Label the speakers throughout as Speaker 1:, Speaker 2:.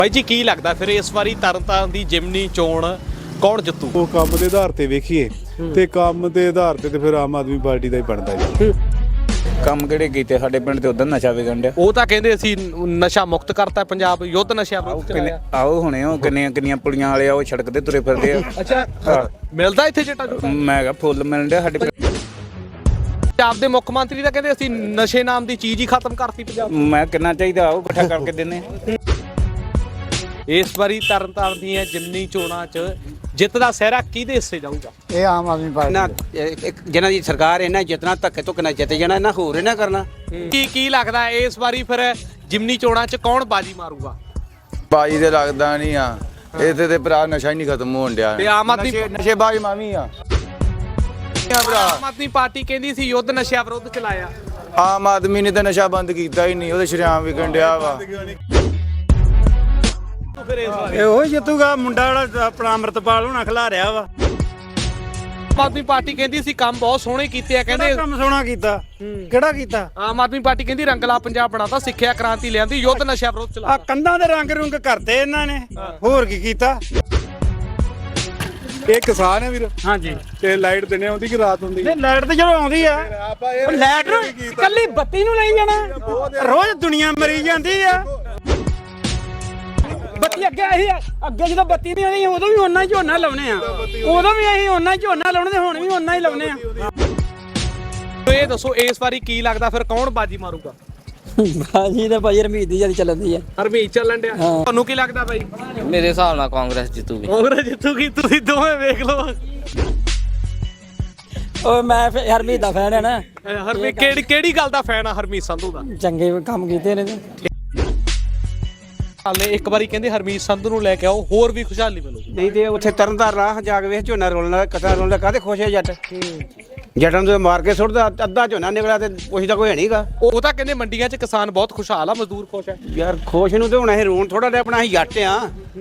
Speaker 1: ਭਾਈ ਜੀ ਕੀ ਲੱਗਦਾ ਫਿਰ ਇਸ ਵਾਰੀ ਤਰਨਤਾਰਨ ਦੀ ਜਿਮਨੀ ਚੋਣ ਕੌਣ ਜਿੱਤੂ?
Speaker 2: ਉਹ ਕੰਮ ਦੇ ਆਧਾਰ ਤੇ ਵੇਖੀਏ ਤੇ ਕੰਮ ਦੇ ਆਧਾਰ ਤੇ ਫਿਰ ਆਮ ਆਦਮੀ ਪਾਰਟੀ ਦਾ ਹੀ ਬਣਦਾ ਜੀ।
Speaker 3: ਕੰਮ ਕਿਹੜੇ ਕੀਤੇ ਸਾਡੇ ਪਿੰਡ ਤੇ ਉਧਰ ਨਸ਼ਾ ਵਿਕਣ ਡਿਆ।
Speaker 1: ਉਹ ਤਾਂ ਕਹਿੰਦੇ ਅਸੀਂ ਨਸ਼ਾ ਮੁਕਤ ਕਰਤਾ ਪੰਜਾਬ, ਯੁੱਧ ਨਸ਼ਾ ਵਿਰੁੱਧ ਚਲਾਇਆ।
Speaker 3: ਆਓ ਹੁਣੇ ਉਹ ਕਿੰਨੀਆਂ ਪੁਲੀਆਂ ਵਾਲੇ ਆ ਉਹ ਸੜਕ ਤੇ ਤੁਰੇ ਫਿਰਦੇ ਆ।
Speaker 1: ਅੱਛਾ ਮਿਲਦਾ ਇੱਥੇ ਚਿੱਟਾ ਚੁੱਟਾ?
Speaker 3: ਮੈਂ ਕਿਹਾ ਫੁੱਲ ਮਿਲਣ ਡਿਆ ਸਾਡੇ ਪਿੰਡ।
Speaker 1: ਪੰਜਾਬ ਦੇ ਮੁੱਖ ਮੰਤਰੀ ਤਾਂ ਕਹਿੰਦੇ ਅਸੀਂ ਨਸ਼ੇ ਨਾਮ ਦੀ ਚੀਜ਼ ਹੀ ਖਤਮ ਕਰਤੀ ਪੰਜਾਬ।
Speaker 3: ਮੈਂ ਕਿੰਨਾ ਚਾਹੀਦਾ ਉਹ ਇਕੱਠਾ ਕਰਕੇ ਦਿੰਨੇ।
Speaker 1: ਇਸ ਵਾਰੀ ਤਰਨਤਾਰਨ ਦੀਆਂ ਜਿਮਨੀ ਚੋਣਾਂ 'ਚ ਜਿੱਤ ਦਾ ਸਿਹਰਾ ਕਿਹਦੇ ਹਿੱਸੇ ਜਾਊਗਾ?
Speaker 4: ਇਹ ਆਮ ਆਦਮੀ ਪਾਰਟੀ
Speaker 5: ਜਿਹਨਾਂ ਦੀ ਸਰਕਾਰ ਇਹਨਾਂ ਜਿੱਤਣਾ ਧੱਕੇ ਧੁੱਕੇ ਨਾਲ ਜਿੱਤ ਜਾਣਾ, ਇਹਨਾਂ ਹੋਰ ਇਹਨਾਂ ਕਰਨਾ।
Speaker 1: ਕੀ ਲੱਗਦਾ ਇਸ ਵਾਰੀ ਫਿਰ ਜਿਮਨੀ ਚੋਣਾਂ 'ਚ ਕੌਣ ਬਾਜੀ ਮਾਰੂਗਾ?
Speaker 6: ਬਾਜੀ ਤੇ ਲੱਗਦਾ ਨਹੀਂ ਆ ਇੱਥੇ ਤੇ ਭਰਾ ਨਸ਼ਾ ਹੀ ਨਹੀਂ ਖਤਮ ਹੋਣ ਡਿਆ।
Speaker 1: ਤੇ ਆਮ ਆਦਮੀ
Speaker 6: ਨਸ਼ੇ ਬਾਜੀ ਮਾਵੀ ਆ
Speaker 1: ਆਮ ਆਦਮੀ ਪਾਰਟੀ ਕਹਿੰਦੀ ਸੀ ਯੁੱਧ ਨਸ਼ਾ ਵਿਰੁੱਧ ਚਲਾਇਆ।
Speaker 6: ਆਮ ਆਦਮੀ ਨੇ ਤਾਂ ਨਸ਼ਾ ਬੰਦ ਕੀਤਾ ਹੀ ਨਹੀਂ, ਉਹਦੇ ਸ਼ਰਿਆਮ ਵਿਕਣ ਡਿਆ ਵਾ।
Speaker 4: ਇਹੋ ਜਿੱਤੂਗਾ ਮੁੰਡਾ ਜਿਹੜਾ ਆਪਣਾ ਅੰਮ੍ਰਿਤਪਾਲ ਹੋਣਾ ਖਿਲਾ ਰਿਹਾ ਵਾ।
Speaker 1: ਆਮ ਆਦਮੀ ਪਾਰਟੀ ਕਹਿੰਦੀ ਸੀ ਕੰਮ ਬਹੁਤ ਸੋਹਣੇ ਕੀਤੇ ਆ, ਕਹਿੰਦੇ
Speaker 4: ਕੰਮ ਸੋਹਣਾ ਕੀਤਾ, ਕਿਹੜਾ ਕੀਤਾ?
Speaker 1: ਆਮ ਆਦਮੀ ਪਾਰਟੀ ਕਹਿੰਦੀ ਰੰਗਲਾ ਪੰਜਾਬ ਬਣਾਤਾ, ਸਿੱਖਿਆ ਕ੍ਰਾਂਤੀ ਲਿਆਂਦੀ, ਯੁੱਧ ਨਸ਼ਾ ਵਿਰੁੱਧ
Speaker 4: ਆ
Speaker 1: ਚਲਾਇਆ।
Speaker 4: ਕੰਧਾਂ ਦੇ ਰੰਗ ਰੁੰਗ ਕਰਤੇ ਇਹਨਾਂ ਨੇ, ਹੋਰ ਕੀ ਕੀਤਾ?
Speaker 2: ਇਹ ਕਿਸਾਨ ਹੈ ਵੀਰ
Speaker 4: ਹਾਂਜੀ,
Speaker 2: ਤੇ ਲਾਈਟ ਦਿਨੇ ਆਉਂਦੀ ਕਿ ਰਾਤ ਹੁੰਦੀ?
Speaker 4: ਤੇ ਲਾਈਟ ਤੇ ਜਦੋਂ ਆਉਂਦੀ ਆ, ਲਾਈਟ ਕੱਲੀ ਬੱਤੀ ਨੂੰ ਲਈ ਜਾਣਾ, ਰੋਜ਼ ਦੁਨੀਆ ਮਰੀ ਜਾਂਦੀ ਆ। ਬੱਤੀ ਅੱਗੇ ਜਦੋਂ ਬੱਤੀ ਨਹੀਂ ਆਉਂਦੀ ਉਦੋਂ ਵੀ ਓਨਾ ਹੀ ਝੋਨਾ ਲਾਉਣੇ ਆ, ਉਦੋਂ ਵੀ ਅਸੀਂ ਓਨਾ ਹੀ ਝੋਨਾ ਲਾਉਣੇ ਤੇ ਹੁਣ ਵੀ ਓਨਾ ਹੀ ਲਾਉਣੇ ਆ।
Speaker 1: ਇਹ ਦੱਸੋ ਇਸ ਵਾਰੀ ਕੀ ਲੱਗਦਾ ਫਿਰ ਕੌਣ ਬਾਜੀ ਮਾਰੂਗਾ?
Speaker 7: ਬਾਜੀ ਤਾਂ ਭਾਈ ਰਮੀਤ ਦੀ ਜਿਆਦਾ ਚੱਲਦੀ ਆ।
Speaker 1: ਹਰਮੀਤ ਚੱਲਣ ਡਿਆ, ਤੁਹਾਨੂੰ ਕੀ ਲੱਗਦਾ ਬਾਈ?
Speaker 7: ਮੇਰੇ ਹਿਸਾਬ ਨਾਲ ਕਾਂਗਰਸ ਜਿੱਤੂਗੀ।
Speaker 1: ਕਾਂਗਰਸ ਜਿੱਤੂਗੀ? ਤੁਸੀਂ ਦੋਵੇਂ ਵੇਖ ਲਓ।
Speaker 7: ਓਏ ਮੈਂ ਹਰਮੀਤ ਦਾ ਫੈਨ ਆ ਨਾ।
Speaker 1: ਹਰਮੀਤ ਕਿਹੜੀ ਗੱਲ ਦਾ ਫੈਨ ਆ ਹਰਮੀਤ ਸੰਧੂ ਦਾ?
Speaker 7: ਚੰਗੇ ਕੰਮ ਕੀਤੇ ਨੇ।
Speaker 1: ਹਾਲੇ ਇੱਕ ਵਾਰੀ ਕਹਿੰਦੇ ਹਰਮੀਤ ਸੰਧੂ ਨੂੰ ਲੈ ਕੇ ਆਓ, ਹੋਰ ਵੀ ਖੁਸ਼ਹਾਲੀ ਮਿਲੂਗੀ।
Speaker 5: ਨਹੀਂ ਤੇ ਉੱਥੇ ਤਰਨਤਾਰਨ ਰਾਹ ਜਾ ਕੇ ਵੇਖ ਝੋਨਾ ਰੋਲਣਾ, ਕਟਾ ਰੋਲਣਾ, ਕਾਹਦੇ ਖੁਸ਼ ਹੈ ਜੱਟ? ਜੱਟਾਂ ਨੂੰ ਮਾਰ ਕੇ ਸੁੱਟਦਾ, ਅੱਧਾ ਝੋਨਾ ਨਿਕਲਿਆ ਤੇ ਪੁੱਛਦਾ ਕੋਈ ਹੈ ਨਹੀਂਗਾ।
Speaker 1: ਉਹ ਤਾਂ ਕਹਿੰਦੇ ਮੰਡੀਆਂ 'ਚ ਕਿਸਾਨ ਬਹੁਤ ਖੁਸ਼ਹਾਲ ਆ, ਮਜ਼ਦੂਰ ਖੁਸ਼ ਹੈ।
Speaker 5: ਯਾਰ ਖੁਸ਼ ਨੂੰ ਤੇ ਹੁਣ ਅਸੀਂ ਰੋਣ ਥੋੜਾ ਜਿਹਾ, ਆਪਣਾ ਅਸੀਂ ਜੱਟ ਆ।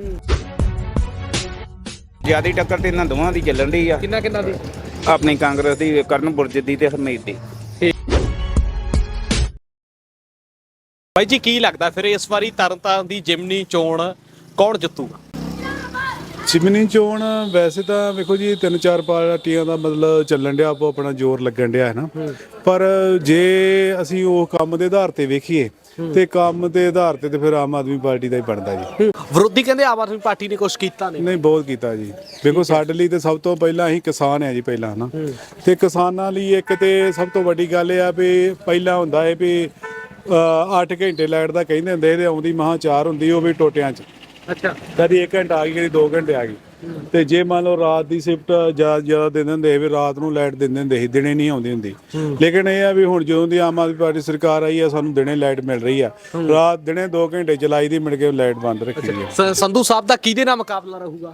Speaker 3: ਜਿਆਦੀ ਟੱਕਰ ਤੇ ਇਹਨਾਂ ਦੋਵਾਂ ਦੀ ਚੱਲਣ ਡਈ ਆ।
Speaker 1: ਕਿੰਨਾ ਦੀ?
Speaker 3: ਆਪਣੀ ਕਾਂਗਰਸ ਦੀ ਕਰਨ ਬੁਰਜ ਦੀ ਤੇ ਹਰਮੀਤ ਦੀ।
Speaker 1: ਬਾਈ ਜੀ ਕੀ ਲੱਗਦਾ ਫਿਰ ਇਸ ਵਾਰੀ ਤਰਨਤਾਰਨ ਦੀ ਜਿਮਨੀ ਚੋਣ ਕੌਣ ਜਿੱਤੂਗਾ?
Speaker 2: ਜਿਮਨੀ ਚੋਣ ਵੈਸੇ ਤਾਂ ਵੇਖੋ ਜੀ 3-4 ਪਾਰਟੀਆਂ ਦਾ ਮਤਲਬ ਚੱਲਣ ਡਿਆ, ਆਪੋ ਆਪਣਾ ਜ਼ੋਰ ਲੱਗਣ ਡਿਆ ਹੈ ਨਾ। ਪਰ ਜੇ ਅਸੀਂ ਉਹ ਕੰਮ ਦੇ ਆਧਾਰ ਤੇ ਵੇਖੀਏ ਤੇ ਕੰਮ ਦੇ ਆਧਾਰ ਤੇ ਫਿਰ ਆਮ ਆਦਮੀ ਪਾਰਟੀ ਦਾ ਹੀ ਬਣਦਾ ਜੀ।
Speaker 1: ਵਿਰੋਧੀ ਕਹਿੰਦੇ ਆਮ ਆਦਮੀ ਪਾਰਟੀ ਨੇ ਕੁਝ ਕੀਤਾ ਨਹੀਂ।
Speaker 2: ਨਹੀਂ, ਬਹੁਤ ਕੀਤਾ ਜੀ। ਵੇਖੋ ਸਾਡੇ ਲਈ ਤੇ ਸਭ ਤੋਂ ਪਹਿਲਾਂ ਅਸੀਂ ਕਿਸਾਨ ਆ ਜੀ ਪਹਿਲਾਂ ਹਨਾ, ਤੇ ਕਿਸਾਨਾਂ ਲਈ ਇੱਕ ਤੇ ਸਭ ਤੋਂ ਵੱਡੀ ਗੱਲ ਇਹ ਆ ਵੀ ਪਹਿਲਾਂ ਹੁੰਦਾ ਹੈ ਵੀ 8 ਘੰਟੇ ਲਾਈਟ ਦਾ ਕਹਿੰਦੇ ਹੁੰਦੇ ਤੇ ਆਉਂਦੀ ਮਹਾਂ 4 ਹੁੰਦੀ, ਉਹ ਵੀ ਟੋਟਿਆਂ 'ਚ। ਅੱਛਾ, ਕਦੀ 1 ਘੰਟਾ ਆ ਗਈ, ਕਦੀ 2 ਘੰਟੇ ਆ ਗਈ। ਤੇ ਜੇ ਮੰਨ ਲਓ ਰਾਤ ਦੀ ਸ਼ਿਫਟ ਜ਼ਿਆਦਾ ਦਿੰਦੇ ਹੁੰਦੇ ਵੀ ਰਾਤ ਨੂੰ ਲਾਈਟ ਦਿੰਦੇ ਹੁੰਦੇ ਸੀ, ਦਿਨੇ ਨਹੀਂ ਆਉਂਦੀ ਹੁੰਦੀ। ਲੇਕਿਨ ਇਹ ਆ ਵੀ ਹੁਣ ਜਦੋਂ ਦੀ ਆਮ ਆਦਮੀ ਪਾਰਟੀ ਸਰਕਾਰ ਆਈ ਆ, ਸਾਨੂੰ ਦਿਨੇ ਲਾਈਟ ਮਿਲ ਰਹੀ ਆ। ਰਾਤ ਦਿਨੇ 2 ਘੰਟੇ ਚਲਾਈ ਦੀ, ਮੁੜ ਕੇ ਲਾਈਟ ਬੰਦ ਰੱਖੀ ਹੈ।
Speaker 1: ਸੰਧੂ ਸਾਹਿਬ ਦਾ ਕਿਹਦੇ ਨਾਲ ਮੁਕਾਬਲਾ ਰਹੂਗਾ?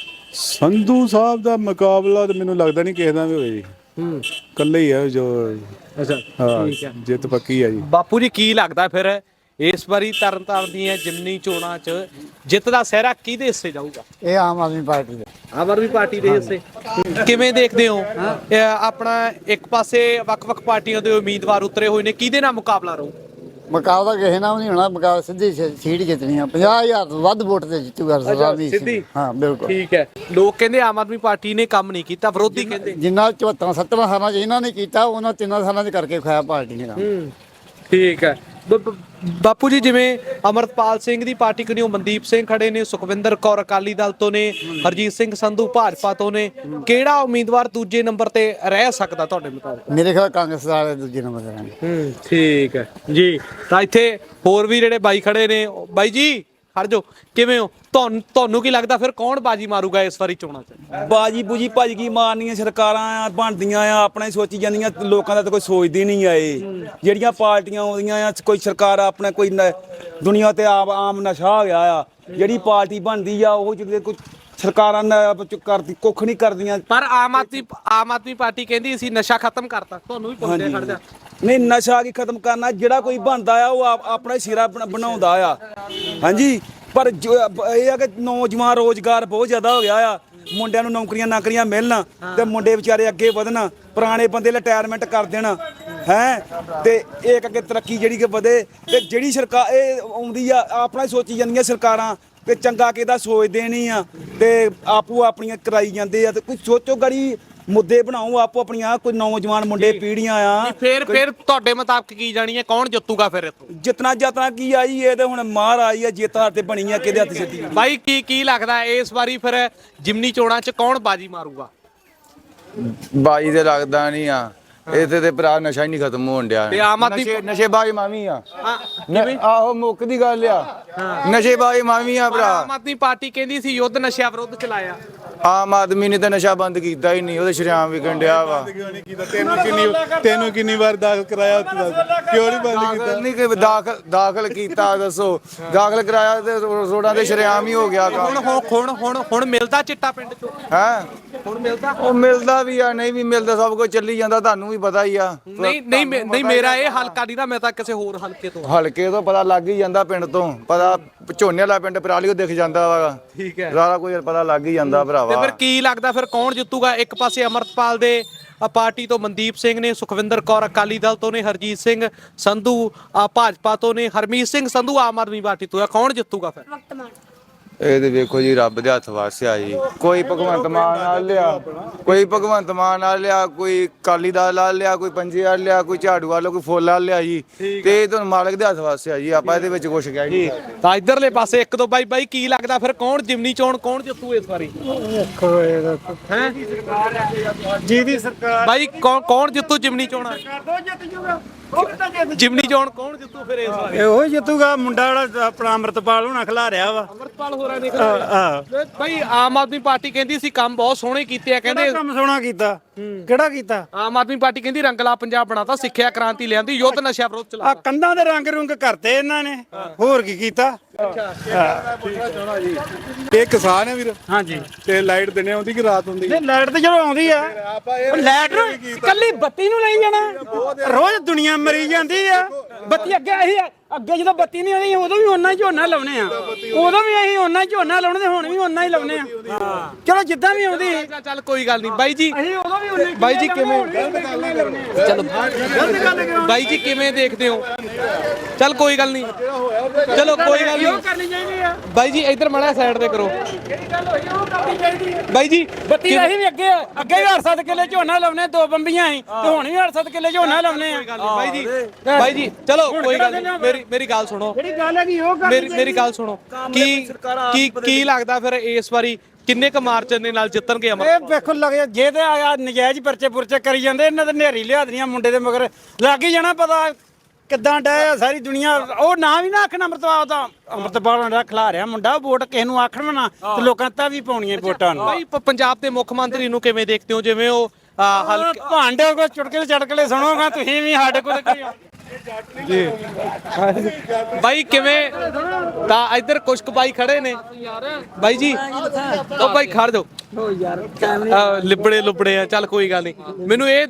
Speaker 2: ਸੰਧੂ ਸਾਹਿਬ ਦਾ ਮੁਕਾਬਲਾ ਤਾਂ ਮੈਨੂੰ ਲੱਗਦਾ ਨਹੀਂ ਕਿਸੇ ਦਾ ਵੀ ਹੋਏ ਜੀ। ਇਕੱਲੇ ਹੀ ਆ ਜੋ।
Speaker 1: ਅੱਛਾ,
Speaker 2: ਹਾਂ, ਜਿੱਤ ਪੱਕੀ ਆ ਜੀ।
Speaker 1: ਬਾਪੂ ਜੀ ਕੀ ਲੱਗਦਾ ਫਿਰ ਇਸ ਵਾਰੀ ਤਰਨਤਾਰਨ ਦੀਆਂ ਜਿਮਨੀ ਚੋਣਾਂ 'ਚ ਜਿੱਤ ਦਾ ਸਿਹਰਾ ਕਿਹਦੇ ਹਿੱਸੇ ਜਾਊਗਾ?
Speaker 4: ਇਹ ਆਮ ਆਦਮੀ ਪਾਰਟੀ ਦੇ।
Speaker 1: ਆਮ ਆਦਮੀ ਪਾਰਟੀ ਦੇ ਹਿੱਸੇ ਕਿਵੇਂ ਦੇਖਦੇ ਹੋ? ਆਪਣਾ ਇੱਕ ਪਾਸੇ ਵੱਖ-ਵੱਖ ਪਾਰਟੀਆਂ ਦੇ ਉਮੀਦਵਾਰ ਉਤਰੇ ਹੋਏ ਨੇ, ਕਿਹਦੇ ਨਾਲ ਮੁਕਾਬਲਾ ਰਹੂ?
Speaker 4: ਮੁਕਾਬਲਾ ਕਿਸੇ ਨਾਲ ਨਹੀਂ ਹੋਣਾ, ਮੁਕਾਬਲਾ ਸਿੱਧੀ ਸੀਟ ਜਿੱਤਣੀ ਆ। 50,000 ਤੋਂ ਵੱਧ ਵੋਟ ਤੇ ਜਿੱਤੂਗਾ ਸਰਦਾਰ
Speaker 1: ਸਿੱਧੀ?
Speaker 4: ਹਾਂ ਬਿਲਕੁਲ
Speaker 1: ਠੀਕ ਹੈ। ਲੋਕ ਕਹਿੰਦੇ ਆਮ ਆਦਮੀ ਪਾਰਟੀ ਨੇ ਕੰਮ ਨਹੀਂ ਕੀਤਾ, ਵਿਰੋਧੀ ਕਹਿੰਦੇ
Speaker 4: ਜਿੰਨਾ 74-70 ਸਾਲਾਂ 'ਚ ਇਹਨਾਂ ਨੇ ਕੀਤਾ, ਉਹਨਾਂ 3 ਸਾਲਾਂ 'ਚ ਕਰਕੇ ਖਾਇਆ ਪਾਰਟੀ ਨੇ ਕੰਮ।
Speaker 1: ਠੀਕ ਹੈ। ਬਾਪੂ ਜੀ ਜਿਵੇਂ ਅਮਰਪਾਲ ਸਿੰਘ ਦੀ ਪਾਰਟੀ ਕਨੀਓ ਮਨਦੀਪ ਸਿੰਘ ਖੜੇ ਨੇ, ਸੁਖਵਿੰਦਰ ਕੌਰ ਅਕਾਲੀ ਦਲ ਤੋਂ ਨੇ, ਹਰਜੀਤ ਸਿੰਘ ਸੰਧੂ ਭਾਜਪਾ ਤੋਂ ਨੇ, ਕਿਹੜਾ ਉਮੀਦਵਾਰ ਦੂਜੇ ਨੰਬਰ ਤੇ ਰਹਿ ਸਕਦਾ ਤੁਹਾਡੇ ਮੁਤਾਬਕ?
Speaker 4: ਮੇਰੇ ਖਿਆਲ ਕਾਂਗਰਸ ਵਾਲੇ ਦੂਜੇ ਨੰਬਰ ਤੇ ਰਹਿਣਗੇ।
Speaker 1: ਠੀਕ ਹੈ ਜੀ। ਤਾਂ ਇੱਥੇ ਹੋਰ ਵੀ ਜਿਹੜੇ ਬਾਈ ਖੜੇ ਨੇ, ਬਾਈ ਜੀ ਖੜ ਜਾਓ, ਕਿਵੇਂ ਹੋ? ਤੁਹਾਨੂੰ ਕੀ ਲੱਗਦਾ ਫਿਰ ਕੌਣ ਬਾਜੀ ਮਾਰੂਗਾ ਇਸ ਵਾਰੀ ਚੋਣਾਂ 'ਚ?
Speaker 8: ਬਾਜੀ ਬੂਜੀ ਭਾਜੀ ਕੀ ਮਾਰਨੀਆਂ, ਸਰਕਾਰਾਂ ਬਣਦੀਆਂ ਆ ਆਪਣਾ ਹੀ ਸੋਚੀ ਜਾਂਦੀਆਂ, ਲੋਕਾਂ ਦਾ ਤਾਂ ਕੋਈ ਸੋਚਦੇ ਨਹੀਂ ਆਏ। ਜਿਹੜੀਆਂ ਪਾਰਟੀਆਂ ਆਉਂਦੀਆਂ ਆ, ਕੋਈ ਸਰਕਾਰ ਆਪਣਾ ਕੋਈ ਦੁਨੀਆ ਤੇ ਆਮ ਨਸ਼ਾ ਹੋ ਗਿਆ ਆ। ਜਿਹੜੀ ਪਾਰਟੀ ਬਣਦੀ ਆ ਉਹ ਜਿਹੜੇ ਕੋਈ ਸਰਕਾਰਾਂ ਕਰਦੀ ਕੁੱਖ ਨਹੀਂ ਕਰਦੀਆਂ।
Speaker 1: ਪਰ ਆਮ ਆਦਮੀ ਪਾਰਟੀ ਕਹਿੰਦੀ ਅਸੀਂ ਨਸ਼ਾ ਖਤਮ ਕਰਤਾ, ਤੁਹਾਨੂੰ ਵੀ ਪੁੱਛਦੇ ਖੜ ਜਾ।
Speaker 8: ਨਹੀਂ, ਨਸ਼ਾ ਕੀ ਖਤਮ ਕਰਨਾ, ਜਿਹੜਾ ਕੋਈ ਬਣਦਾ ਆ ਉਹ ਆਪਣਾ ਹੀ ਸਿਰਾ ਬਣਾਉਂਦਾ ਆ। ਹਾਂਜੀ, ਪਰ ਇਹ ਆ ਕਿ ਨੌਜਵਾਨ ਰੋਜ਼ਗਾਰ ਬਹੁਤ ਜ਼ਿਆਦਾ ਹੋ ਗਿਆ ਆ। ਮੁੰਡਿਆਂ ਨੂੰ ਨੌਕਰੀਆਂ ਮਿਲਣ ਤੇ ਮੁੰਡੇ ਵਿਚਾਰੇ ਅੱਗੇ ਵਧਣ, ਪੁਰਾਣੇ ਬੰਦੇ ਰਿਟਾਇਰਮੈਂਟ ਕਰ ਦੇਣ ਹੈ, ਤੇ ਇਹ ਅੱਗੇ ਤਰੱਕੀ ਜਿਹੜੀ ਕਿ ਵਧੇ। ਤੇ ਜਿਹੜੀ ਸਰਕਾਰ ਇਹ ਆਉਂਦੀ ਆ ਆਪਣਾ ਹੀ ਸੋਚੀ ਜਾਂਦੀਆਂ ਸਰਕਾਰਾਂ ਤੇ ਚੰਗਾ ਕਿਹਦਾ ਸੋਚਦੇ ਨਹੀਂ ਆ ਤੇ ਆਪੋ ਆਪਣੀਆਂ ਕਰਾਈ ਜਾਂਦੇ ਆ ਤੇ ਕੋਈ ਸੋਚੋ ਗੜੀ ਮੁੱਦੇ ਬਣਾਓ ਆਪੋ ਆਪਣੀਆਂ ਕੋਈ ਨੌਜਵਾਨ ਮੁੰਡੇ ਪੀੜ੍ਹੀਆਂ ਆ
Speaker 1: ਫਿਰ ਤੁਹਾਡੇ ਮੁਤਾਬਕ ਕੀ ਜਾਣੀ ਹੈ ਕੌਣ ਜਿੱਤੂਗਾ ਫਿਰ ਇੱਥੋਂ
Speaker 8: ਜਿਤਨਾ ਜਾਤਨਾ ਕੀ ਆਈ ਇਹ ਤੇ ਹੁਣ ਮਾਰ ਆਈ ਆ ਜੇਤਾਂ ਤੇ ਬਣੀ ਆ ਕਿਹਦੇ ਹੱਥ ਸਿੱਧੀ
Speaker 1: ਬਾਈ ਕੀ ਲੱਗਦਾ ਇਸ ਵਾਰੀ ਫਿਰ ਜਿਮਨੀ ਚੋਣਾਂ 'ਚ ਕੌਣ ਬਾਜੀ ਮਾਰੂਗਾ?
Speaker 6: ਬਾਈ ਤੇ ਲੱਗਦਾ ਨਹੀਂ ਆ ਇੱਥੇ ਤੇ ਭਰਾ ਨਸ਼ਾ ਹੀ ਨਹੀਂ ਖਤਮ ਹੋਣ ਡਿਆ
Speaker 1: ਤੇ ਆਮ ਆਦਮੀ
Speaker 6: ਨਸ਼ੇ ਬਾਈ ਮਾਵੀ ਆ
Speaker 1: ਕਿਵੇਂ?
Speaker 6: ਆਹੋ ਮੁੱਕ ਦੀ ਗੱਲ ਆ ਨਸ਼ੇ ਬਾਈ ਮਾਵੀ ਆ ਭਰਾ
Speaker 1: ਆਮ ਆਦਮੀ ਪਾਰਟੀ ਕਹਿੰਦੀ ਸੀ ਯੁੱਧ ਨਸ਼ਿਆਂ ਵਿਰੁੱਧ ਚਲਾਇਆ।
Speaker 6: ਆਮ ਆਦਮੀ ਨੇ ਤਾਂ ਨਸ਼ਾ ਬੰਦ ਕੀਤਾ ਹੀ ਨਹੀਂ ਉਹਦੇ ਸ਼ਰਿਆਮ ਵਿਕਣ ਡਿਆ ਵਾ
Speaker 2: ਤੈਨੂੰ ਕਿੰਨੀ ਵਾਰ ਦਾਖਲ ਕਰਾਇਆ ਉੱਥੇ ਦੱਸ? ਕਿਉਂ ਨਹੀਂ ਬੰਦ ਕੀਤਾ?
Speaker 6: ਦਾਖਲ ਨਹੀਂ ਕਿ ਦਾਖਲ ਕੀਤਾ ਦੱਸੋ ਦਾਖਲ ਕਰਾਇਆ ਤੇ ਰੋਡਾਂ ਤੇ ਸ਼ਰਿਆਮ ਹੀ ਹੋ ਗਿਆ
Speaker 1: ਹੁਣ ਮਿਲਦਾ ਚਿੱਟਾ ਪਿੰਡ 'ਚੋਂ?
Speaker 6: ਹੈ
Speaker 1: ਹੁਣ ਮਿਲਦਾ?
Speaker 6: ਉਹ ਮਿਲਦਾ ਵੀ ਆ ਨਹੀਂ ਵੀ ਮਿਲਦਾ ਸਭ ਕੁਝ ਚੱਲੀ ਜਾਂਦਾ ਤੁਹਾਨੂੰ ਵੀ ਪਤਾ ਹੀ ਆ
Speaker 1: ਨਹੀਂ ਮੇਰਾ ਇਹ ਹਲਕਾ ਨਹੀਂ ਨਾ, ਮੈਂ ਤਾਂ ਕਿਸੇ ਹੋਰ ਹਲਕੇ ਤੋਂ।
Speaker 6: ਹਲਕੇ ਤੋਂ ਪਤਾ ਲੱਗ ਹੀ ਜਾਂਦਾ ਪਿੰਡ ਤੋਂ ਪਤਾ ਝੋਨੇ ਵਾਲਾ ਪਿੰਡ ਪਰਾਲੀਓ ਦਿਖ ਜਾਂਦਾ ਵਾ
Speaker 1: ਠੀਕ ਹੈ।
Speaker 6: ਸਾਰਾ ਕੁਝ ਪਤਾ ਲੱਗ ਹੀ ਜਾਂਦਾ
Speaker 1: ਤੇ
Speaker 6: ਭਰਾਵਾ
Speaker 1: ਫਿਰ ਕੀ ਲੱਗਦਾ ਫਿਰ ਕੌਣ ਜਿੱਤੂਗਾ? ਇੱਕ ਪਾਸੇ ਅਮਰਤਪਾਲ ਦੇ ਪਾਰਟੀ ਤੋਂ ਮਨਦੀਪ ਸਿੰਘ ਨੇ, ਸੁਖਵਿੰਦਰ ਕੌਰ ਅਕਾਲੀ ਦਲ ਤੋਂ ਨੇ, ਹਰਜੀਤ ਸਿੰਘ ਸੰਧੂ ਭਾਜਪਾ ਤੋਂ ਨੇ, ਹਰਮੀਤ ਸਿੰਘ ਸੰਧੂ ਆਮ ਆਦਮੀ ਪਾਰਟੀ ਤੋਂ ਹੈ। ਕੌਣ ਜਿੱਤੂਗਾ ਫਿਰ?
Speaker 6: ਇਹ ਤੇ ਵੇਖੋ ਜੀ ਰੱਬ ਦੇ ਹੱਥ ਵਾਸਿਆ ਜੀ ਕੋਈ ਭਗਵੰਤ ਮਾਨ ਨਾਲ ਲਿਆ ਕੋਈ ਅਕਾਲੀ ਦਲ ਨਾਲ ਲਿਆ ਕੋਈ ਪੰਜੇ ਵਾਲ ਲਿਆ ਕੋਈ ਝਾੜੂ ਵਾਲਾ ਕੋਈ ਫੁੱਲ ਵਾਲ ਲਿਆ ਜੀ ਤੇ ਇਹ ਤੁਹਾਨੂੰ ਮਾਲਕ ਦੇ ਹੱਥ ਵਾਸਿਆ ਜੀ ਆਪਾਂ ਇਹਦੇ ਵਿੱਚ ਕੁਛ ਕਹਿ ਨਹੀਂ
Speaker 1: ਤਾਂ ਇਧਰਲੇ ਪਾਸੇ ਇੱਕ ਦੋ ਬਾਈ ਕੀ ਲੱਗਦਾ ਫਿਰ ਕੌਣ ਜਿਮਨੀ ਚੋਣ ਕੌਣ ਜਿੱਤੂ ਇਸ ਵਾਰੀ? ਹੈ
Speaker 4: ਜਿਹਦੀ ਸਰਕਾਰ
Speaker 1: ਬਾਈ ਕੌਣ ਜਿੱਤੂ ਜਿਮਨੀ ਚੋਣਾਂ? ਜਿਮਨੀ ਚੋਣ ਕੌਣ ਜਿੱਤੂ ਫਿਰ ਇਸ ਵਾਰੀ?
Speaker 4: ਇਹੋ ਜਿੱਤੂਗਾ ਮੁੰਡਾ ਜਿਹੜਾ ਆਪਣਾ ਅੰਮ੍ਰਿਤਪਾਲ ਹੋਣਾ ਖਿਲਾ ਰਿਹਾ ਵਾ।
Speaker 1: ਅਮਰਤਪਾਲ ਹੋਰਾਂ ਨੇ ਬਾਈ ਆਮ ਆਦਮੀ ਪਾਰਟੀ ਕਹਿੰਦੀ ਸੀ ਕੰਮ ਬਹੁਤ ਸੋਹਣੇ ਕੀਤੇ ਆ, ਕਹਿੰਦੇ
Speaker 4: ਕੰਮ ਸੋਹਣਾ ਕੀਤਾ ਕਿਹੜਾ ਕੀਤਾ?
Speaker 1: ਆਮ ਆਦਮੀ ਪਾਰਟੀ ਕਹਿੰਦੀ ਰੰਗਲਾ ਪੰਜਾਬ ਬਣਾਤਾ, ਸਿੱਖਿਆ ਕ੍ਰਾਂਤੀ ਲਿਆਂਦੀ, ਯੁੱਧ ਨਸ਼ਾ ਵਿਰੁੱਧ
Speaker 4: ਆ
Speaker 1: ਚਲਾਤਾ।
Speaker 4: ਕੰਧਾਂ ਦੇ ਰੰਗ ਰੁੰਗ ਕਰਤੇ ਇਹਨਾਂ ਨੇ, ਹੋਰ ਕੀ ਕੀਤਾ?
Speaker 2: ਇਹ ਕਿਸਾਨ ਹੈ ਵੀਰ
Speaker 4: ਹਾਂਜੀ
Speaker 2: ਤੇ ਲਾਈਟ ਦਿਨੇ ਆਉਂਦੀ ਕਿ ਰਾਤ ਹੁੰਦੀ?
Speaker 4: ਤੇ ਲਾਈਟ ਤੇ ਜਦੋਂ ਆਉਂਦੀ ਆ ਲਾਈਟ ਨੂੰ ਕੱਲੀ ਬੱਤੀ ਨੂੰ ਲਈ ਜਾਣਾ, ਰੋਜ਼ ਦੁਨੀਆ ਮਰੀ ਜਾਂਦੀ ਆ। ਬੱਤੀ ਅੱਗੇ ਜਦੋਂ ਬੱਤੀ ਨਹੀਂ ਆਉਂਦੀ ਉਦੋਂ ਵੀ ਓਨਾ ਹੀ ਝੋਨਾ ਲਾਉਣੇ ਆ, ਉਦੋਂ ਵੀ ਅਸੀਂ ਓਨਾ ਹੀ ਝੋਨਾ ਲਾਉਣੇ ਤੇ ਹੁਣ ਵੀ ਓਨਾ ਹੀ ਲਾਉਣੇ ਆ। ਚਲੋ ਜਿੱਦਾਂ ਵੀ ਆਉਂਦੀ
Speaker 1: ਚੱਲ ਕੋਈ ਗੱਲ ਨਹੀਂ ਬਾਈ ਜੀ।
Speaker 4: ਅਸੀਂ ਉਦੋਂ ਵੀ ਓਨਾ ਹੀ
Speaker 1: ਬਾਈ ਜੀ ਕਿਵੇਂ ਚਲੋ ਬਾਈ ਜੀ ਕਿਵੇਂ ਦੇਖਦੇ ਹੋ? ਚੱਲ ਕੋਈ ਗੱਲ ਨਹੀਂ, ਚਲੋ ਕੋਈ ਗੱਲ ਨਹੀਂ
Speaker 4: ਕਰਨੀ ਚਾਹੀਦੀ ਆ।
Speaker 1: ਬਾਈ ਜੀ ਇੱਧਰ ਮਾੜਾ ਸਾਈਡ ਤੇ ਕਰੋ।
Speaker 4: ਜਿਹੜੀ ਗੱਲ ਹੋਈ ਉਹ ਕਰਨੀ ਚਾਹੀਦੀ ਆ।
Speaker 1: ਬਾਈ ਜੀ
Speaker 4: ਬੱਤੀ ਅਸੀਂ ਵੀ ਅੱਗੇ ਵੀ 8-7 ਕਿੱਲੇ ਝੋਨਾ ਲਾਉਣੇ, 2 ਬੰਬੀਆਂ ਸੀ ਤੇ ਹੁਣ ਵੀ 8-7 ਕਿੱਲੇ ਝੋਨਾ ਲਾਉਣੇ ਆ।
Speaker 1: ਬਾਈ ਜੀ ਚਲੋ ਕੋਈ ਗੱਲ ਨਹੀਂ, ਮੇਰੀ ਗੱਲ ਸੁਣੋ।
Speaker 4: ਜਿਹੜੀ ਗੱਲ ਹੈਗੀ ਉਹ ਕਰਨੀ
Speaker 1: ਮੇਰੀ ਗੱਲ ਸੁਣੋ। ਕੀ ਲੱਗਦਾ ਫਿਰ ਇਸ ਵਾਰੀ ਕਿੰਨੇ ਕ ਮਾਰਜਨ ਦੇ ਨਾਲ ਜਿੱਤਣਗੇ ਅਮਰ?
Speaker 4: ਇਹ ਵੇਖੋ ਲੱਗੇ ਜੇ ਤੇ ਆ ਨਜਾਇਜ਼ ਪਰਚੇ ਕਰੀ ਜਾਂਦੇ, ਇਹਨਾਂ ਤੇ ਨੇਰੀ ਲਿਆ ਦੇਣੀਆਂ ਮੁੰਡੇ ਦੇ ਮਗਰ ਲੱਗ ਹੀ ਜਾਣਾ ਪਤਾ ਕਿੱਦਾਂ ਡਿਆ ਸਾਰੀ ਦੁਨੀਆ। ਉਹ ਨਾ ਵੀ ਨਾ ਆਖਣ ਅੰਮ੍ਰਿਤਪਾਲ ਦਾ ਖਿਲਾ ਰਿਹਾ ਮੁੰਡਾ, ਵੋਟ ਕਿਸੇ ਨੂੰ ਆਖਣ ਨਾ ਤੇ ਲੋਕਾਂ ਤਾਂ ਵੀ ਪਾਉਣੀਆਂ ਵੋਟਾਂ ਨੂੰ।
Speaker 1: ਬਾਈ ਪੰਜਾਬ ਦੇ ਮੁੱਖ ਮੰਤਰੀ ਨੂੰ ਕਿਵੇਂ ਦੇਖਦੇ ਹੋ? ਜਿਵੇਂ ਉਹ ਹਲਕੇ
Speaker 4: ਭਾਂਡੇ ਕੋ ਚੁਟਕਲੇ ਸੁਣੋਗਾ ਤੁਸੀਂ ਵੀ ਸਾਡੇ ਕੋਲ
Speaker 1: ਜੀ ਬਾਈ ਕਿਵੇਂ? ਤਾਂ ਇੱਧਰ ਕੁਛ ਕੁ ਬਾਈ ਖੜੇ ਨੇ ਬਾਈ ਜੀ। ਉਹ ਬਾਈ ਖੜ ਜਾਓ ਲਿਬੜੇ ਆ। ਚੱਲ ਕੋਈ ਗੱਲ ਨਹੀਂ, ਮੈਨੂੰ ਇਹ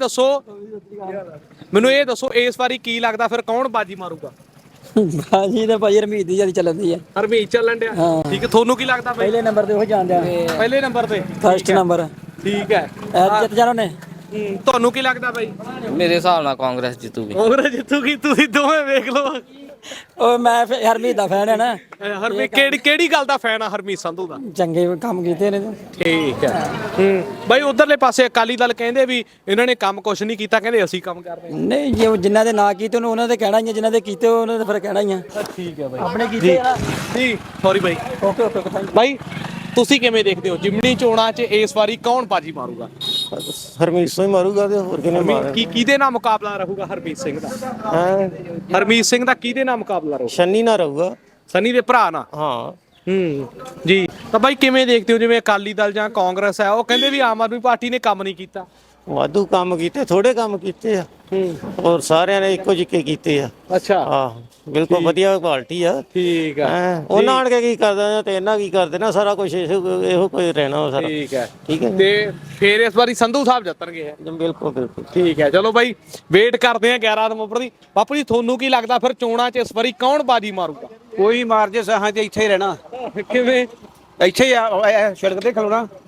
Speaker 1: ਦੱਸੋ ਇਸ ਵਾਰੀ ਕੀ ਲੱਗਦਾ ਫਿਰ ਕੌਣ ਬਾਜੀ ਮਾਰੂਗਾ?
Speaker 7: ਬਾਜੀ ਤੇ ਭਾਈ ਹਰਮੀਤ ਦੀ ਜਿਆਦਾ ਚੱਲਦੀ ਆ।
Speaker 1: ਹਰਮੀਤ ਚੱਲਣ ਡਿਆ? ਠੀਕ ਹੈ, ਤੁਹਾਨੂੰ ਕੀ ਲੱਗਦਾ ਬਾਈ?
Speaker 7: ਪਹਿਲੇ ਨੰਬਰ ਤੇ ਉਹ ਜਾਂਦੇ ਆ,
Speaker 1: ਪਹਿਲੇ ਨੰਬਰ ਤੇ
Speaker 7: ਫਸਟ ਨੰਬਰ
Speaker 1: ਠੀਕ ਹੈ।
Speaker 7: ਜਿੱਤ ਜਾਣਾ ਨੇ।
Speaker 1: ਤੁਹਾਨੂੰ ਕੀ ਲੱਗਦਾ ਬਾਈ?
Speaker 7: ਮੇਰੇ ਹਿਸਾਬ ਨਾਲ ਕਾਂਗਰਸ ਜਿੱਤੂਗੀ।
Speaker 1: ਕਾਂਗਰਸ ਜਿੱਤੂਗੀ? ਤੁਸੀਂ ਦੋਵੇਂ ਵੇਖ ਲਓ।
Speaker 7: ਓਏ ਮੈਂ ਹਰਮੀਤ ਦਾ ਫੈਨ ਹੈ ਨਾ।
Speaker 1: ਹਰਮੀਤ ਕਿਹੜੀ ਗੱਲ ਦਾ ਫੈਨ ਆ ਹਰਮੀਤ ਸੰਧੂ ਦਾ?
Speaker 7: ਚੰਗੇ ਕੰਮ ਕੀਤੇ ਨੇ।
Speaker 1: ਠੀਕ ਹੈ। ਬਾਈ ਉਧਰਲੇ ਪਾਸੇ ਅਕਾਲੀ ਦਲ ਕਹਿੰਦੇ ਵੀ ਇਹਨਾਂ ਨੇ ਕੰਮ ਕੁਛ ਨਹੀਂ ਕੀਤਾ, ਕਹਿੰਦੇ ਅਸੀਂ ਕੰਮ ਕਰ ਰਹੇ ਹਾਂ।
Speaker 7: ਨਹੀਂ ਜੇ ਜਿਨ੍ਹਾਂ ਦੇ ਨਾਂ ਕੀਤੇ ਉਹਨਾਂ ਦੇ ਕਹਿਣਾ ਹੀ ਆ, ਜਿਨ੍ਹਾਂ ਦੇ ਕੀਤੇ ਉਹਨਾਂ ਦੇ ਫਿਰ ਕਹਿਣਾ ਹੀ ਆ।
Speaker 1: ਠੀਕ ਹੈ ਬਾਈ,
Speaker 7: ਆਪਣੇ ਕੀਤੇ ਆ।
Speaker 1: ਜੀ ਸੌਰੀ ਬਾਈ।
Speaker 7: ਓਕੇ
Speaker 1: ਬਾਈ ਤੁਸੀਂ ਕਿਵੇਂ ਦੇਖਦੇ ਹੋ ਜਿਮਨੀ ਚੋਣਾਂ 'ਚ ਇਸ ਵਾਰੀ ਕੌਣ ਬਾਜੀ ਮਾਰੂਗਾ?
Speaker 9: ਹਰਮੀਤ ਸਿੰਘ ਮਾਰੂਗਾ ਤੇ ਹੋਰ ਕਿਹਨੇ ਮਾਰ
Speaker 1: ਕਿਹਦੇ ਨਾਲ ਮੁਕਾਬਲਾ ਰਹੂਗਾ ਹਰਮੀਤ ਸਿੰਘ ਦਾ? ਹਰਮੀਤ ਸਿੰਘ ਦਾ ਕਿਹਦੇ ਨਾਲ ਮੁਕਾਬਲਾ ਰਹੂਗਾ?
Speaker 9: ਸ਼ੰਨੀ ਨਾ ਰਹੂਗਾ,
Speaker 1: ਸਨੀ ਦੇ ਭਰਾ ਨਾਲ।
Speaker 9: ਹਾਂ
Speaker 1: ਜੀ ਤਾਂ ਬਾਈ ਕਿਵੇਂ ਦੇਖਦੇ ਹੋ ਜਿਵੇਂ ਅਕਾਲੀ ਦਲ ਜਾਂ ਕਾਂਗਰਸ ਹੈ ਉਹ ਕਹਿੰਦੇ ਵੀ ਆਮ ਆਦਮੀ ਪਾਰਟੀ ਨੇ ਕੰਮ ਨਹੀਂ ਕੀਤਾ?
Speaker 9: ਵਾਧੂ ਕੰਮ ਕੀਤੇ, ਥੋੜੇ ਕੰਮ ਕੀਤੇ ਆ ਔਰ ਸਾਰਿਆਂ ਨੇ ਇੱਕੋ ਜਿਹੇ ਕੀਤੇ ਆ।
Speaker 1: ਅੱਛਾ
Speaker 9: ਆਹ ਬਿਲਕੁਲ ਵਧੀਆ ਕੁਆਲਿਟੀ ਆ।
Speaker 1: ਠੀਕ ਆ।
Speaker 9: ਉਹਨਾਂ ਆਣ ਕੇ ਕੀ ਕਰਦਾ ਤੇ ਇਹਨਾਂ ਕੀ ਕਰਦੇ ਨਾ ਸਾਰਾ ਕੁਝ ਇਹੋ ਕੋਈ ਰਹਿਣਾ ਸਾਰਾ।
Speaker 1: ਠੀਕ ਹੈ
Speaker 9: ਠੀਕ ਹੈ
Speaker 1: ਤੇ ਫਿਰ ਇਸ ਵਾਰੀ ਸੰਧੂ ਸਾਹਿਬ ਜਿੱਤਣਗੇ?
Speaker 9: ਬਿਲਕੁਲ
Speaker 1: ਠੀਕ ਹੈ। ਚਲੋ ਬਾਈ ਵੇਟ ਕਰਦੇ ਆ 11 ਨਵੰਬਰ ਦੀ। ਬਾਪੂ ਜੀ ਤੁਹਾਨੂੰ ਕੀ ਲੱਗਦਾ ਫਿਰ ਚੋਣਾਂ 'ਚ ਇਸ ਵਾਰੀ ਕੌਣ ਬਾਜੀ ਮਾਰੂਗਾ?
Speaker 5: ਕੋਈ ਮਾਰ ਜੇ ਸਾਹਾਂ ਤੇ ਇੱਥੇ ਹੀ ਰਹਿਣਾ।
Speaker 1: ਕਿਵੇਂ?
Speaker 5: ਇੱਥੇ ਹੀ ਆ ਸੜਕ ਤੇ ਖਲੋਣਾ।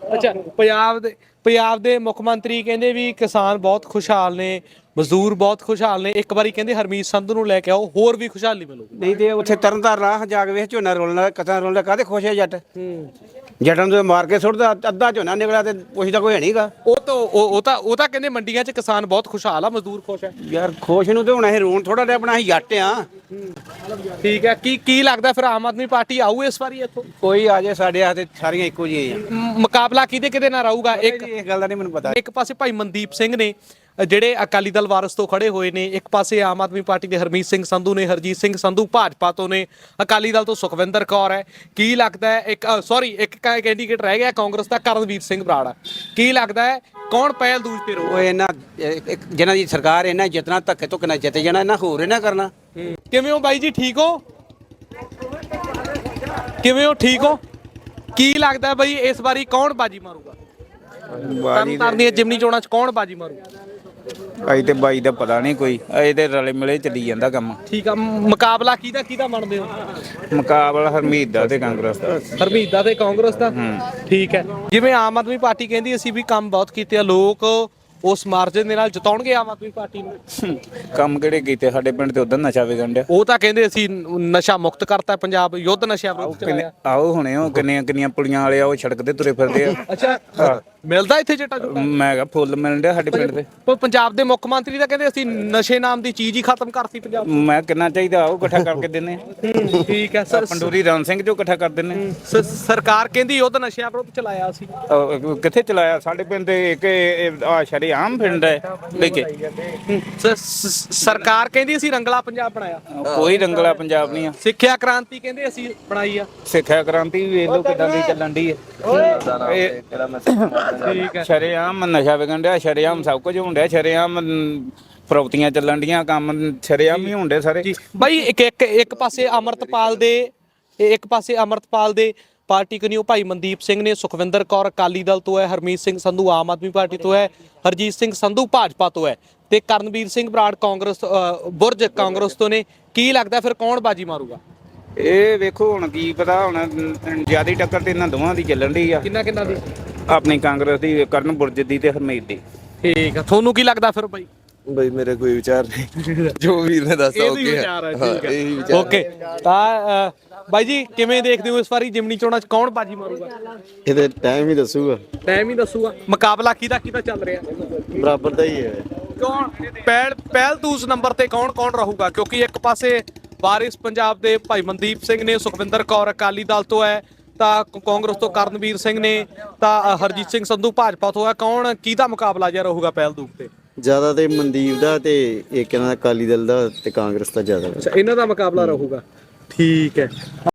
Speaker 1: ਅੱਛਾ ਪੰਜਾਬ ਦੇ ਮੁੱਖ ਮੰਤਰੀ ਕਹਿੰਦੇ ਵੀ ਕਿਸਾਨ ਬਹੁਤ ਖੁਸ਼ਹਾਲ ਨੇ, ਮਜ਼ਦੂਰ ਬਹੁਤ ਖੁਸ਼ਹਾਲ ਨੇ। ਇੱਕ ਵਾਰੀ ਕਹਿੰਦੇ ਹਰਮੀਤ ਸੰਧੂ ਨੂੰ ਲੈ ਕੇ ਆਓ, ਹੋਰ ਵੀ ਖੁਸ਼ਹਾਲੀ ਮਿਲੂਗੀ।
Speaker 5: ਨਹੀਂ ਤੇ ਉੱਥੇ ਤਰਨਤਾਰਨ ਰਾਹ ਜਾ ਕੇ ਵੇਖ ਝੋਨਾ ਰੋਲਣਾ ਕਥਾ ਰੋਲਣਾ ਕਾਹਦੇ ਖੁਸ਼ ਹੈ ਜੱਟ ਜੱਟਾਂ ਨੂੰ ਮਾਰ ਕੇ ਸੁੱਟਦਾ ਅੱਧਾ ਝੋਨਾ ਨਿਕਲਿਆ ਤੇ ਪੁੱਛਦਾ ਕੋਈ ਹੈ ਨਹੀਂਗਾ।
Speaker 1: ਉਹ ਤਾਂ ਕਹਿੰਦੇ ਮੰਡੀਆਂ 'ਚ ਕਿਸਾਨ ਬਹੁਤ ਖੁਸ਼ਹਾਲ ਆ, ਮਜ਼ਦੂਰ ਖੁਸ਼ ਹੈ।
Speaker 5: ਯਾਰ ਖੁਸ਼ ਨੂੰ ਤੇ ਹੁਣ ਅਸੀਂ ਰੋਣ ਥੋੜਾ ਜਿਹਾ ਆਪਣਾ ਅਸੀਂ ਜੱਟ ਆ।
Speaker 1: ਠੀਕ ਹੈ, ਕੀ ਲੱਗਦਾ ਫਿਰ ਆਮ ਆਦਮੀ ਪਾਰਟੀ ਆਊ ਇਸ ਵਾਰੀ ਇੱਥੋਂ?
Speaker 5: ਕੋਈ ਆ ਜਾਏ ਸਾਡੇ ਹੱਥ ਤੇ ਸਾਰੀਆਂ ਇੱਕੋ ਜਿਹੀਆਂ ਆ।
Speaker 1: ਮੁਕਾਬਲਾ ਕਿਹਦੇ ਨਾਲ ਰਹੂਗਾ?
Speaker 5: ਇਸ ਗੱਲ ਦਾ ਨਹੀਂ ਮੈਨੂੰ ਪਤਾ।
Speaker 1: ਇੱਕ ਪਾਸੇ ਭਾਈ ਮਨਦੀਪ ਸਿੰਘ ਨੇ ਜਿਹੜੇ ਅਕਾਲੀ ਦਲ ਵਾਰਸ ਤੋਂ ਖੜੇ ਹੋਏ ਨੇ, ਇੱਕ ਪਾਸੇ ਆਮ ਆਦਮੀ ਪਾਰਟੀ ਦੇ ਹਰਮੀਤ ਸਿੰਘ ਸੰਧੂ ਨੇ, ਹਰਜੀਤ ਸਿੰਘ ਸੰਧੂ ਭਾਜਪਾ ਤੋਂ ਨੇ, ਅਕਾਲੀ ਦਲ ਤੋਂ ਸੁਖਵਿੰਦਰ ਕੌਰ ਹੈ। ਕੀ ਲੱਗਦਾ ਹੈ ਇੱਕ ਕੈਂਡੀਡੇਟ ਰਹਿ ਗਿਆ ਕਾਂਗਰਸ ਦਾ, ਕਰਨਵੀਰ ਸਿੰਘ ਬਰਾੜ। ਕੀ ਲੱਗਦਾ ਹੈ ਕੌਣ ਪਹਿਲ ਦੂਜ ਤੇ ਰਹੂ?
Speaker 5: ਉਹ ਇਹਨਾਂ ਜਿਹਨਾਂ ਦੀ ਸਰਕਾਰ ਇਹਨਾਂ ਜਿਤਨਾ ਧੱਕੇ ਧੁੱਕੇ ਨਾਲ ਜਿੱਤ ਜਾਣਾ, ਇਹਨਾਂ ਹੋਰ ਇਹਨਾਂ ਕਰਨਾ।
Speaker 1: ਕਿਵੇਂ ਹੋ ਬਾਈ ਜੀ, ਠੀਕ ਹੋ? ਕਿਵੇਂ ਹੋ, ਠੀਕ ਹੋ? ਕੀ ਲੱਗਦਾ ਬਈ ਇਸ ਵਾਰੀ ਕੌਣ ਬਾਜੀ ਮਾਰੂਗਾ? ਤਰਨਤਾਰਨ ਦੀਆਂ ਜਿਮਨੀ ਚੋਣਾਂ 'ਚ ਕੌਣ ਬਾਜੀ ਮਾਰੂਗਾ?
Speaker 3: ਅਜੇ ਤੇ ਬਾਈ ਦਾ ਪਤਾ ਨਹੀਂ ਕੋਈ, ਅਜੇ ਤੇ ਰਲੇ ਮਿਲੇ ਚੱਲੀ ਜਾਂਦਾ ਕੰਮ।
Speaker 1: ਠੀਕ ਆ, ਮੁਕਾਬਲਾ ਕਿਹਦਾ ਮੰਨਦੇ ਹੋ?
Speaker 3: ਮੁਕਾਬਲਾ ਹਰਮੀਤ ਦਾ ਤੇ ਕਾਂਗਰਸ ਦਾ।
Speaker 1: ਹਰਮੀਤ ਦਾ ਤੇ ਕਾਂਗਰਸ ਦਾ। ਠੀਕ ਹੈ, ਜਿਵੇਂ ਆਮ ਆਦਮੀ ਪਾਰਟੀ ਕਹਿੰਦੀ ਅਸੀਂ ਵੀ ਕੰਮ ਬਹੁਤ ਕੀਤੇ ਆ, ਲੋਕ ਉਸ ਮਾਰਜਨ ਦੇ ਨਾਲ ਜਿਤਾਉਣਗੇ ਆਮ ਆਦਮੀ ਪਾਰਟੀ ਨੂੰ।
Speaker 3: ਕੰਮ ਕਿਹੜੇ ਕੀਤੇ? ਸਾਡੇ ਪਿੰਡ ਤੇ ਉਧਰ ਨਸ਼ਾ ਵਿਕਣ ਡਿਆ।
Speaker 1: ਉਹ ਤਾਂ ਕਹਿੰਦੇ ਅਸੀਂ ਨਸ਼ਾ ਮੁਕਤ ਕਰਤਾ ਪੰਜਾਬ, ਯੁੱਧ ਨਸ਼ਾ ਵਿਰੁੱਧ ਚਲਾਇਆ।
Speaker 3: ਆਓ ਹੁਣੇ ਉਹ ਕਿੰਨੀਆਂ ਪੁਲੀਆਂ ਵਾਲੇ ਆ, ਉਹ ਸੜਕ ਤੇ ਤੁਰੇ ਫਿਰਦੇ ਆ।
Speaker 1: ਅੱਛਾ, ਮਿਲਦਾ ਇੱਥੇ ਚਿੱਟਾ ਚੁੱਟਾ?
Speaker 3: ਮੈਂ ਕਿਹਾ ਫੁੱਲ ਮਿਲਣ ਡਿਆ ਸਾਡੇ ਪਿੰਡ ਤੇ।
Speaker 1: ਪਰ ਪੰਜਾਬ ਦੇ ਮੁੱਖ ਮੰਤਰੀ ਤਾਂ ਕਹਿੰਦੇ ਅਸੀਂ ਨਸ਼ੇ ਨਾਮ ਦੀ ਚੀਜ਼ ਹੀ ਖਤਮ ਕਰਤੀ ਪੰਜਾਬ।
Speaker 3: ਮੈਂ ਕਿੰਨਾ ਚਾਹੀਦਾ ਉਹ ਇਕੱਠਾ ਕਰਕੇ ਦਿੰਨੇ।
Speaker 1: ਠੀਕ ਹੈ ਸਰ।
Speaker 3: ਪੰਡੂਰੀ ਰਾਮ ਸਿੰਘ ਜੋ ਇਕੱਠਾ ਕਰ ਦਿੰਨੇ।
Speaker 1: ਸਰਕਾਰ ਕਹਿੰਦੀ ਯੁੱਧ ਨਸ਼ਿਆਂ ਵਿਰੁੱਧ ਚਲਾਇਆ ਸੀ।
Speaker 3: ਕਿੱਥੇ ਚਲਾਇਆ? ਸਾਡੇ ਪਿੰਡ ਤੇ ਇੱਕ ਆ ਸ਼ਰੇਆਮ ਪਿੰਡ ਹੈ ਲੈ ਕੇ।
Speaker 1: ਸਰਕਾਰ ਕਹਿੰਦੀ ਅਸੀਂ ਰੰਗਲਾ ਪੰਜਾਬ ਬਣਾਇਆ।
Speaker 3: ਕੋਈ ਰੰਗਲਾ ਪੰਜਾਬ ਨਹੀਂ ਆ।
Speaker 1: ਸਿੱਖਿਆ ਕ੍ਰਾਂਤੀ ਕਹਿੰਦੇ ਅਸੀਂ ਬਣਾਈ ਆ।
Speaker 3: ਸਿੱਖਿਆ ਕ੍ਰਾਂਤੀ ਵੇਖ ਲਓ ਕਿੱਦਾਂ ਦੀ ਚੱਲਣ ਦੀ ਹੈ।
Speaker 1: ਠੀਕ ਹੈ,
Speaker 3: ਸ਼ਰੇਆਮ ਨਸ਼ਾ ਵਿਕਣ ਡਿਆ, ਸ਼ਰੇਆਮ ਸਭ ਕੁਝ ਹੋਣ ਡਿਆ, ਸ਼ਰੇਆਮ ਫਰੋਤੀਆਂ ਚੱਲਣ ਡੀਆਂ, ਕੰਮ ਸ਼ਰੇਆਮ ਹੀ ਹੋਣ ਡੇ ਸਾਰੇ।
Speaker 1: ਬਾਈ ਇੱਕ ਪਾਸੇ ਅਮਰਤਪਾਲ ਦੇ ਪਾਰਟੀ ਕਨੀਓ ਭਾਈ ਮਨਦੀਪ ਸਿੰਘ ਨੇ, ਸੁਖਵਿੰਦਰ ਕੌਰ ਅਕਾਲੀ ਦਲ ਤੋਂ ਹੈ, ਹਰਮੀਤ ਸਿੰਘ ਸੰਧੂ ਆਮ ਆਦਮੀ ਪਾਰਟੀ ਤੋਂ ਹੈ, ਹਰਜੀਤ ਸਿੰਘ ਸੰਧੂ ਭਾਜਪਾ ਤੋਂ ਹੈ ਤੇ ਕਰਨਵੀਰ ਸਿੰਘ ਬਰਾੜ ਬੁਰਜ ਕਾਂਗਰਸ ਤੋਂ ਨੇ। ਕੀ ਲੱਗਦਾ ਫਿਰ ਕੌਣ ਬਾਜੀ ਮਾਰੂਗਾ?
Speaker 3: ਇਹ ਵੇਖੋ ਹੁਣ ਕੀ ਪਤਾ, ਹੁਣ ਜਿਆਦਾ ਟੱਕਰ ਤੇ ਇਹਨਾਂ ਦੋਵਾਂ ਦੀ ਚੱਲਣ ਦੀ ਆ।
Speaker 1: ਕਿੰਨਾ ਦੀ?
Speaker 3: ਆਪਣੀ ਕਾਂਗਰਸ ਦੀ, ਕਰਨ ਬੁਰਜ ਦੀ ਤੇ ਹਰਮੀਤ ਦੀ।
Speaker 1: ਠੀਕ ਆ, ਤੁਹਾਨੂੰ ਕੀ ਲੱਗਦਾ ਫਿਰ ਬਾਈ?
Speaker 6: ਬਈ ਮੇਰੇ ਕੋਈ ਵਿਚਾਰ ਨਹੀਂ, ਜੋ ਵੀਰ ਨੇ ਦੱਸਿਆ ਓਕੇ ਹੈ।
Speaker 1: ਓਕੇ, ਤਾਂ ਬਾਈ ਜੀ ਕਿਵੇਂ ਦੇਖਦੇ ਹੋ ਇਸ ਵਾਰੀ ਜਿਮਨੀ ਚੋਣਾਂ 'ਚ ਕੌਣ ਬਾਜੀ ਮਾਰੂਗਾ?
Speaker 6: ਇਹਦੇ ਟਾਈਮ ਹੀ ਦੱਸੂਗਾ।
Speaker 1: ਟਾਈਮ ਹੀ ਦੱਸੂਗਾ। ਮੁਕਾਬਲਾ ਕਿਹਦਾ ਚੱਲ ਰਿਹਾ?
Speaker 6: ਬਰਾਬਰ ਦਾ ਹੀ ਹੈ।
Speaker 1: ਕੌਣ ਪਹਿਲ ਦੂਸ ਨੰਬਰ ਤੇ ਕੌਣ ਰਹੂਗਾ? ਕਿਉਂਕਿ ਇੱਕ ਪਾਸੇ ਵਾਰਿਸ ਪੰਜਾਬ ਦੇ ਭਾਈ ਮਨਦੀਪ ਸਿੰਘ ਨੇ, ਸੁਖਵਿੰਦਰ ਕੌਰ ਅਕਾਲੀ ਦਲ ਤੋਂ ਹੈ, ਤਾਂ ਕਾਂਗਰਸ ਤੋਂ ਕਰਨਵੀਰ ਸਿੰਘ ਨੇ, ਤਾਂ ਹਰਜੀਤ ਸਿੰਘ ਸੰਧੂ ਭਾਜਪਾ ਤੋਂ ਹੈ। ਕਿਹਦਾ ਮੁਕਾਬਲਾ ਜਿਹਾ ਰਹੂਗਾ ਪਹਿਲ ਦੂਸ ਤੇ?
Speaker 6: ਜ਼ਿਆਦਾ ਤੇ ਮਨਦੀਪ ਦਾ ਤੇ ਇੱਕ ਇਹਨਾਂ ਦਾ ਅਕਾਲੀ ਦਲ ਦਾ ਤੇ ਕਾਂਗਰਸ ਦਾ ਜ਼ਿਆਦਾ।
Speaker 1: ਇਹਨਾਂ ਦਾ ਮੁਕਾਬਲਾ ਰਹੂਗਾ। ਠੀਕ ਹੈ।